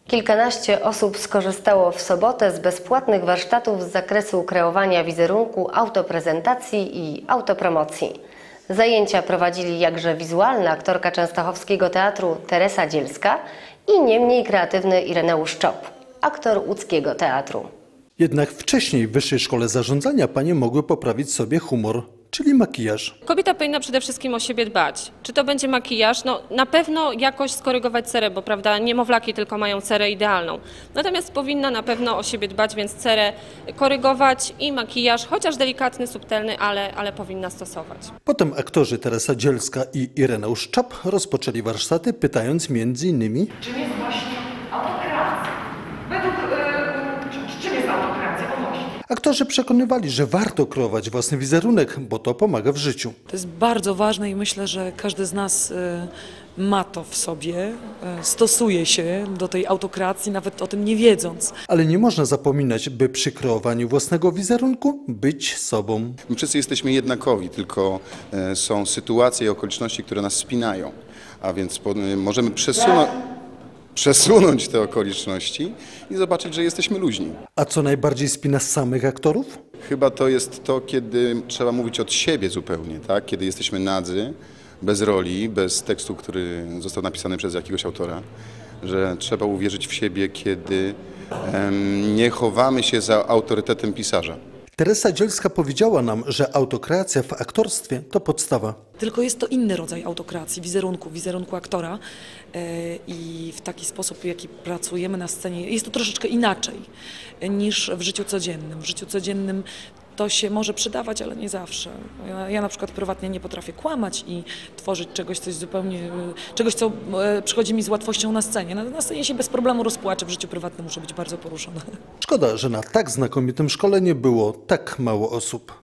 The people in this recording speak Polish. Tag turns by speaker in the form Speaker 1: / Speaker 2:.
Speaker 1: Kilkanaście osób skorzystało w sobotę z bezpłatnych warsztatów z zakresu kreowania wizerunku, autoprezentacji i autopromocji. Zajęcia prowadzili jakże wizualna aktorka częstochowskiego teatru Teresa Dzielska i nie mniej kreatywny Ireneusz Czop, aktor łódzkiego teatru.
Speaker 2: Jednak wcześniej w Wyższej Szkole Zarządzania panie mogły poprawić sobie humor, czyli makijaż.
Speaker 3: Kobieta powinna przede wszystkim o siebie dbać. Czy to będzie makijaż? No, na pewno jakoś skorygować cerę, bo prawda, niemowlaki tylko mają cerę idealną. Natomiast powinna na pewno o siebie dbać, więc cerę korygować i makijaż, chociaż delikatny, subtelny, ale powinna stosować.
Speaker 2: Potem aktorzy Teresa Dzielska i Ireneusz Czop rozpoczęli warsztaty, pytając m.in.
Speaker 4: Czym jest właśnie autokreacja? Czym jest autokreacja? O właśnie.
Speaker 2: Aktorzy przekonywali, że warto kreować własny wizerunek, bo to pomaga w życiu.
Speaker 5: To jest bardzo ważne i myślę, że każdy z nas ma to w sobie, stosuje się do tej autokreacji, nawet o tym nie wiedząc.
Speaker 2: Ale nie można zapominać, by przy kreowaniu własnego wizerunku być sobą.
Speaker 6: My wszyscy jesteśmy jednakowi, tylko są sytuacje i okoliczności, które nas spinają, a więc możemy przesunąć te okoliczności i zobaczyć, że jesteśmy luźni.
Speaker 2: A co najbardziej spina samych aktorów?
Speaker 6: Chyba to jest to, kiedy trzeba mówić od siebie zupełnie, tak? Kiedy jesteśmy nadzy, bez roli, bez tekstu, który został napisany przez jakiegoś autora, że trzeba uwierzyć w siebie, kiedy nie chowamy się za autorytetem pisarza.
Speaker 2: Teresa Dzielska powiedziała nam, że autokreacja w aktorstwie to podstawa.
Speaker 5: Tylko jest to inny rodzaj autokreacji, wizerunku aktora i w taki sposób, w jaki pracujemy na scenie, jest to troszeczkę inaczej niż w życiu codziennym. W życiu codziennym to się może przydawać, ale nie zawsze. Ja na przykład prywatnie nie potrafię kłamać i tworzyć czegoś, co przychodzi mi z łatwością na scenie. Na scenie się bez problemu rozpłaczę, w życiu prywatnym muszę być bardzo poruszona.
Speaker 2: Szkoda, że na tak znakomitym szkoleniu było tak mało osób.